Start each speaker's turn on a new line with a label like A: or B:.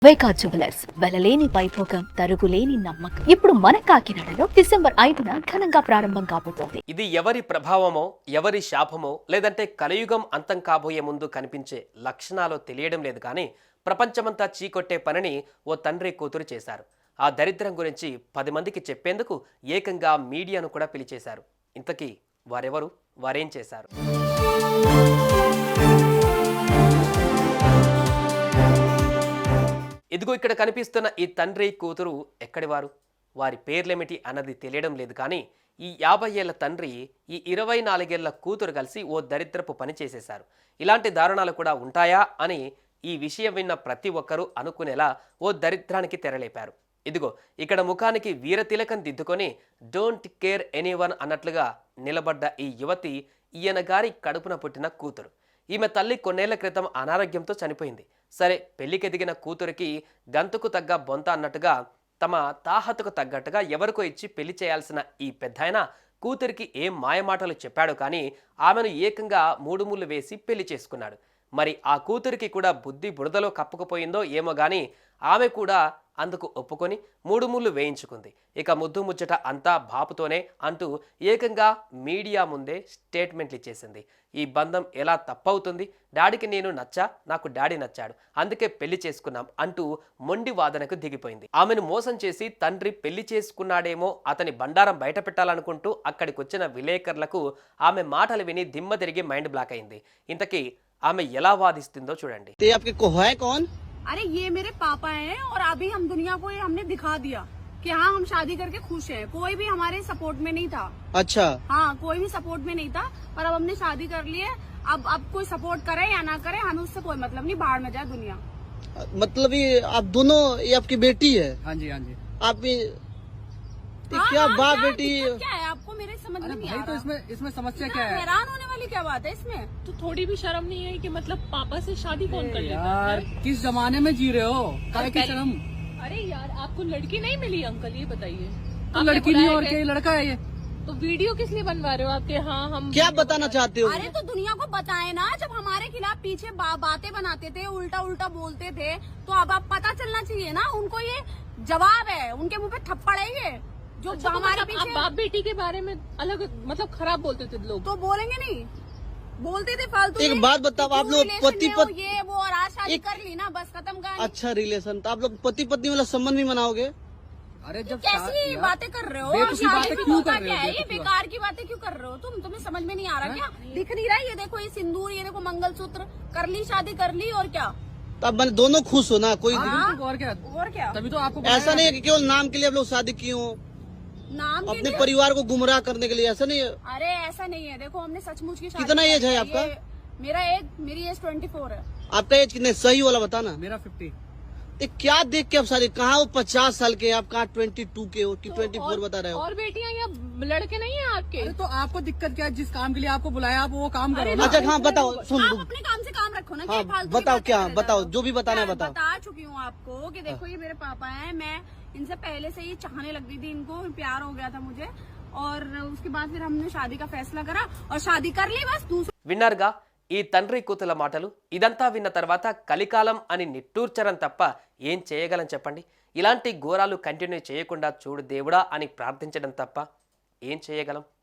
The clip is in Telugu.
A: వైకా జ్యువెలర్స్ వెలలేని వైభోగం తరుగులేని నమ్మకం ఇప్పుడు మన కాకినాడలో డిసెంబర్ 5న ఘనంగా ప్రారంభం కాబోతోంది.
B: ఇది ఎవరి ప్రభావమో ఎవరి శాపమో లేదంటే కలియుగం అంతం కాబోయే ముందు కనిపించే లక్షణాలు తెలియడం లేదు కానీ ప్రపంచమంతా చీకొట్టే పనిని ఓ తండ్రి కూతురు చేశారు. ఆ దరిద్రం గురించి 10 మందికి చెప్పేందుకు ఏకంగా మీడియాను కూడా పిలిచేశారు. ఇంతకీ వారెవరు, వారేం చేశారు? ఇదిగో ఇక్కడ కనిపిస్తున్న ఈ తండ్రి కూతురు ఎక్కడివారు, వారి పేర్లేమిటి అన్నది తెలియడం లేదు కానీ ఈ 50 ఏళ్ల తండ్రి ఈ 24 ఏళ్ల కూతురు కలిసి ఓ దరిద్రపు పని చేసేశారు. ఇలాంటి దారుణాలు కూడా ఉంటాయా అని ఈ విషయం విన్న ప్రతి ఒక్కరూ అనుకునేలా ఓ దరిద్రానికి తెరలేపారు. ఇదిగో ఇక్కడ ముఖానికి వీరతిలకం దిద్దుకొని డోంట్ కేర్ ఎనీవన్ అన్నట్లుగా నిలబడ్డ ఈ యువతి ఈయన గారి కడుపున పుట్టిన కూతురు. ఈమె తల్లి కొన్నేళ్ల క్రితం అనారోగ్యంతో చనిపోయింది. సరే, పెళ్లికెదిగిన కూతురికి గంతుకు తగ్గ బొంత అన్నట్టుగా తమ తాహతుకు తగ్గట్టుగా ఎవరికో ఇచ్చి పెళ్లి చేయాల్సిన ఈ పెద్దాయన కూతురికి ఏం మాయమాటలు చెప్పాడు కానీ ఆమెను ఏకంగా 3 ముళ్ళు వేసి పెళ్లి చేసుకున్నాడు. మరి ఆ కూతురికి కూడా బుద్ధి బురదలో కప్పుకుపోయిందో ఏమో గాని ఆమె కూడా అందుకు ఒప్పుకొని 3 ముళ్ళు వేయించుకుంది. ఇక ముద్దు ముచ్చట అంతా బాపుతోనే అంటూ ఏకంగా మీడియా ముందే స్టేట్మెంట్లు ఇచ్చేసింది. ఈ బంధం ఎలా తప్పవుతుంది, డాడీకి నేను నచ్చా, నాకు డాడీ నచ్చాడు, అందుకే పెళ్లి చేసుకున్నాం అంటూ మొండి వాదనకు దిగిపోయింది. ఆమెను మోసం చేసి తండ్రి పెళ్లి చేసుకున్నాడేమో అతని బండారం బయట పెట్టాలనుకుంటూ అక్కడికి వచ్చిన విలేకరులకు ఆమె మాటలు విని దిమ్మ తిరిగి మైండ్ బ్లాక్ అయింది. ఇంతకీ ఆమె ఎలా వాదిస్తుందో చూడండి.
C: अरे ये मेरे पापा हैं और अभी हम दुनिया को ये हमने दिखा दिया कि हाँ हम शादी करके खुश हैं। कोई भी हमारे सपोर्ट में नहीं था।
D: अच्छा।
C: हाँ, कोई भी सपोर्ट में नहीं था, पर अब हमने शादी कर ली है। अब कोई सपोर्ट करे या ना करे हमें उससे कोई मतलब नहीं, बाहर में जाए दुनिया।
D: मतलब ये आप दोनों, ये आपकी बेटी है?
E: हाँ जी, हाँ जी।
D: आप क्या बाप बेटी?
C: क्या है आपको मेरे समझ में नहीं आ रहा।
E: तो इसमें समस्या क्या है?
C: हैरान होने वाली क्या बात है इसमें?
F: तो थोड़ी भी शर्म नहीं है कि मतलब पापा से शादी कौन कर लेता
E: यार
F: है?
E: किस जमाने में जी रहे हो? काय की शर्म?
F: अरे यार आपको लड़की नहीं मिली अंकल, ये बताइए।
E: तो
F: आपने
E: लड़की नहीं
F: बुलाया
E: और क्या, ये लड़का है ये?
F: तो वीडियो किस लिए बनवा रहे हो आपके? हाँ हम
D: क्या बताना चाहते हो?
C: अरे तो दुनिया को बताए ना, जब हमारे खिलाफ पीछे बातें बनाते थे, उल्टा उल्टा बोलते थे, तो अब पता चलना चाहिए ना उनको। ये जवाब है, उनके मुंह पे थप्पड़ है ये जो
F: अच्छा, तो
C: हमारे
F: मतलब
C: पीछे।
F: आप बाप बेटी के बारे में अलग मतलब खराब बोलते थे लोग,
C: तो बोलेंगे नहीं, बोलते थे फालतू।
D: एक बात बताओ, आप लोग पति पत्नी
C: ये वो और आज शादी कर ली ना, बस खत्म कहानी।
D: अच्छा रिलेशन, तो आप लोग पति पत्नी वाला संबंध भी मनाओगे?
E: अरे जब
C: कैसी बातें कर रहे हो?
E: बेवकूफी
C: शादी
E: बातें
C: भी
E: क्यों
C: होता
E: कर रहे हो?
C: क्या है? ये
E: बेवकूफी
C: बेकार की बातें क्यों कर रहे हो तुम्हें समझ में नहीं आ रहा क्या? दिख नहीं रहा? ये देखो ये सिंदूर, ये देखो मंगलसूत्र, कर ली शादी कर ली और क्या?
D: तो अब मैंने दोनों खुश हो ना? कोई
E: और क्या?
C: और क्या?
E: तभी तो आपको
D: ऐसा नहीं है कि केवल नाम के लिए आप लोग शादी किए हो,
C: नाम के
D: अपने
C: लिए?
D: परिवार को गुमराह करने के लिए, ऐसा नहीं है?
C: अरे ऐसा नहीं है, देखो हमने सचमुच की शादी
D: कितना
C: की
D: एज है आपका?
C: मेरी एज 24 है।
D: आपका एज कितने, सही वाला बताना।
E: मेरा 50।
D: ये क्या देख के आप शादी, कहाँ वो 50 साल के, आप कहाँ 22 के हो कि 24 बता रहे हो?
F: और बेटियां या लड़के नहीं है आपके?
E: अरे तो आपको दिक्कत क्या है? जिस काम के लिए आपको बुलाया आप वो काम करो ना।
D: अच्छा हाँ बताओ, सुन
C: आप अपने काम से काम रखो ना।
D: हाँ
C: क्या फालतू की
D: बताओ,
C: बातें
D: क्या
C: कर रहे
D: बताओ,
C: हो?
D: जो भी बताना है
C: मैं
D: बताओ।
C: बता चुकी हूँ आपको कि देखो ये मेरे पापा हैं, मैं इनसे पहले से ही चाहने लग गई थी, इनको प्यार हो गया था मुझे, और उसके बाद फिर हमने शादी का फैसला करा और शादी कर ली बस। दूसरा
B: విన్నారుగా ఈ తండ్రి కూతుల మాటలు. ఇదంతా విన్న తర్వాత కలికాలం అని నిట్టూర్చడం తప్ప ఏం చేయగలం చెప్పండి? ఇలాంటి ఘోరాలు కంటిన్యూ చేయకుండా చూడు దేవుడా అని ప్రార్థించడం తప్ప ఏం చేయగలం?